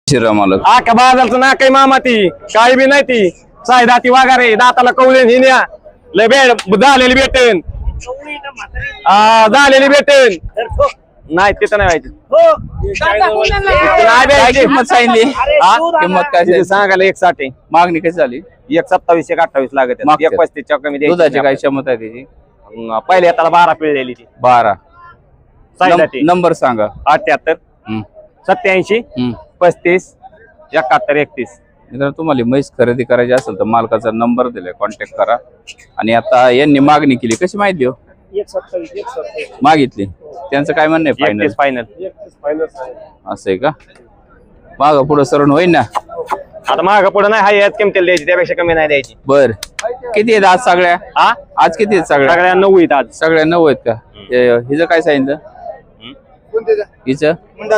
शिरा मालक आका बाजारचं ना काही मामा ती काही बी नाही ती साय दाती वागारे दाताला कवले हिन्या लय बेड झालेली भेटेन झालेली भेटेन नाही तिथं नाही काय किंमत सांगितली किंमत काय व्हायची सांगायला 160 मागणी कशी झाली 127 128 लागत मागच्या. 135 च्या कमी द्यायची दुधाची काय क्षमता आहे त्याची पहिले हाताला 12 पिळलेली ती 12 साय दाती नंबर सांगा 78 हम्म, 87 हम्म. 35 71 31 मित्रांनो तुम्हाला म्हैस खरेदी करायची असेल तर मालकाचा नंबर दिलाय कॉन्टॅक्ट करा आणि आता यांनी मागणी केली कशी माहिती हो 127 मागितली त्यांचं काय म्हणणं आहे फायनल फायनल असं आहे का माग पुढे सरण होईल ना आता माग पुढे नाही हाय यात किमतीला द्यायची त्यापेक्षा कमी नाही द्यायची बर किती आहेत आज सगळ्या हा आज किती आहेत सगळ्या सगळ्या 9 आहेत आज सगळ्या 9 आहेत का हिचं काय सांगितलं हिचं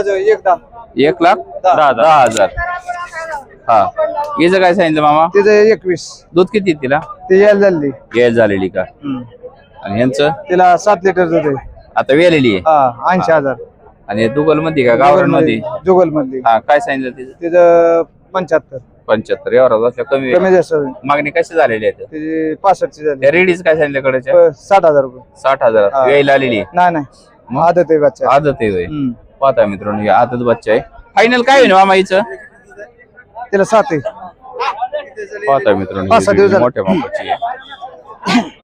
1,10,10,000 हा हिचं काय सांगितलं मामा तिचं 21 दूध किती आहे तिला ते यायला झाली गेल झालेली का आणि ह्यांचं तिला 7 लिटर दूध आहे आता वेलेली आहे हा 80,000 आणि दुगल मध्ये का गावरान मध्ये जुगल मधली हा काय सांगितलं तिचं तिचं 75 75 एवढा असल्या कमी कमी जास्त होईल. मागणी कशी झालेली आहे तिची 65 ची झाली त्या रेडीच काय सांगितलं कडेच्या 60,000 रुपये 60,000 हा. वेळेला आलेली आहे. नाही नाही आदत आहे बच्चा आदत आहे होय. हम्म. पाहता मित्रांनो हे आदत बच्चा आहे फायनल काय होईल मामा हिचं तिला 7 आहे पाहता मित्रांनो 5-6 दिवस ही झाले. मोठ्या मापाची आहे